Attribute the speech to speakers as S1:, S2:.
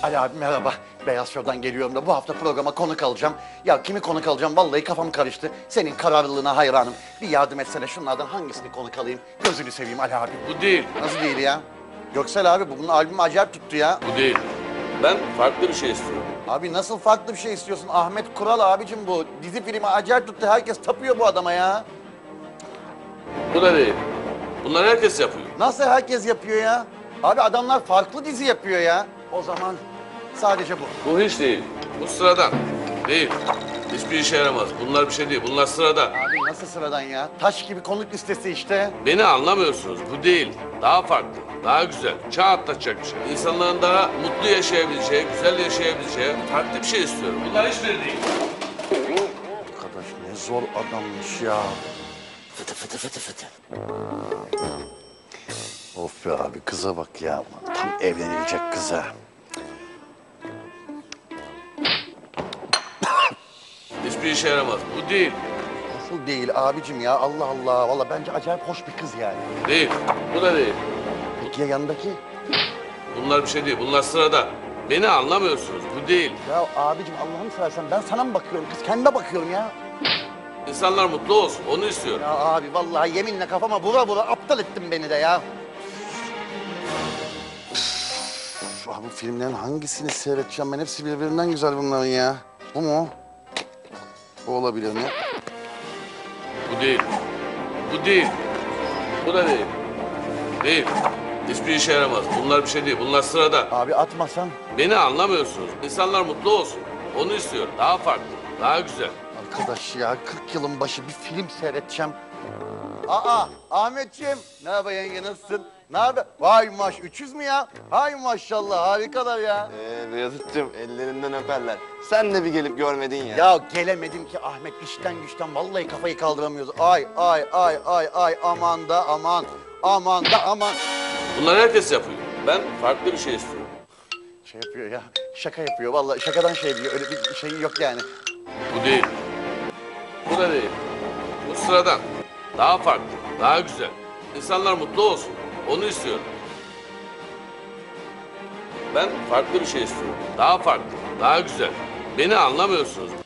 S1: Ali abi merhaba. Beyaz Show'dan geliyorum da bu hafta programa konuk alacağım. Ya kimi konuk alacağım vallahi kafam karıştı. Senin kararlılığına hayranım. Bir yardım etsene şunlardan hangisini konuk alayım? Gözünü seveyim Ali abi.
S2: Bu değil.
S1: Nasıl değil ya? Göksel abi bunun albümü acayip tuttu ya.
S2: Bu değil. Ben farklı bir şey istiyorum.
S1: Abi nasıl farklı bir şey istiyorsun? Ahmet Kural abicim bu. Dizi filmi acayip tuttu. Herkes tapıyor bu adama ya.
S2: Bu da değil. Bunlar herkes yapıyor.
S1: Nasıl herkes yapıyor ya? Abi adamlar farklı dizi yapıyor ya. O zaman sadece bu.
S2: Bu hiç değil. Bu sıradan. Değil. Hiçbir işe yaramaz. Bunlar bir şey değil. Bunlar sıradan.
S1: Abi nasıl sıradan ya? Taş gibi konuk listesi işte.
S2: Beni anlamıyorsunuz. Bu değil. Daha farklı. Daha güzel. Çağ atlatacak bir şey. İnsanların daha mutlu yaşayabileceği, güzel yaşayabileceği farklı bir şey istiyorum. Bunlar hiçbiri değil.
S1: Arkadaş ne zor adammış ya. Fıtı fıtı fıtı fıtı. Of be abi kıza bak ya. Tam evlenilecek kıza.
S2: Hiçbir işe yaramaz. Bu değil.
S1: Nasıl değil abicim ya? Allah Allah. Vallahi bence acayip hoş bir kız yani.
S2: Değil. Bu da değil.
S1: Peki ya yanındaki?
S2: Bunlar bir şey değil. Bunlar sıradan. Beni anlamıyorsunuz. Bu değil.
S1: Ya abicim Allah'ını seversen ben sana mı bakıyorum? Kız kendine bakıyorum ya.
S2: İnsanlar mutlu olsun. Onu istiyorum.
S1: Ya abi vallahi yeminle kafama vura vura aptal ettin beni de ya. Üf, abi bu filmlerin hangisini seyredeceğim ben? Hepsi birbirinden güzel bunların ya. Bu mu? Bu olabilir mi?
S2: Bu değil. Bu değil. Bu da değil. Değil. Hiçbir işe yaramaz. Bunlar bir şey değil. Bunlar sıradan.
S1: Abi atmasan.
S2: Beni anlamıyorsunuz. İnsanlar mutlu olsun. Onu istiyorum. Daha farklı. Daha güzel.
S1: Arkadaş ya 40 yılın başı bir film seyredeceğim. Aa Ahmetciğim. Ne haber yenge nasılsın? Ne haber? Vay 300 mü ya? Hay maşallah harikalar ya.
S3: Beyazıt'cığım ellerinden öperler. Sen de bir gelip görmedin ya.
S1: Ya gelemedim ki Ahmet işten güçten vallahi kafayı kaldıramıyoruz. Ay ay ay ay ay aman da aman. Aman da aman.
S2: Bunlar herkes yapıyor. Ben farklı bir şey istiyorum.
S1: Şey yapıyor ya şaka yapıyor vallahi şakadan şey diyor öyle bir şey yok yani.
S2: Bu değil. Bu da değil. Bu sıradan. Daha farklı. Daha güzel. İnsanlar mutlu olsun. Onu istiyorum. Ben farklı bir şey istiyorum. Daha farklı. Daha güzel. Beni anlamıyorsunuz.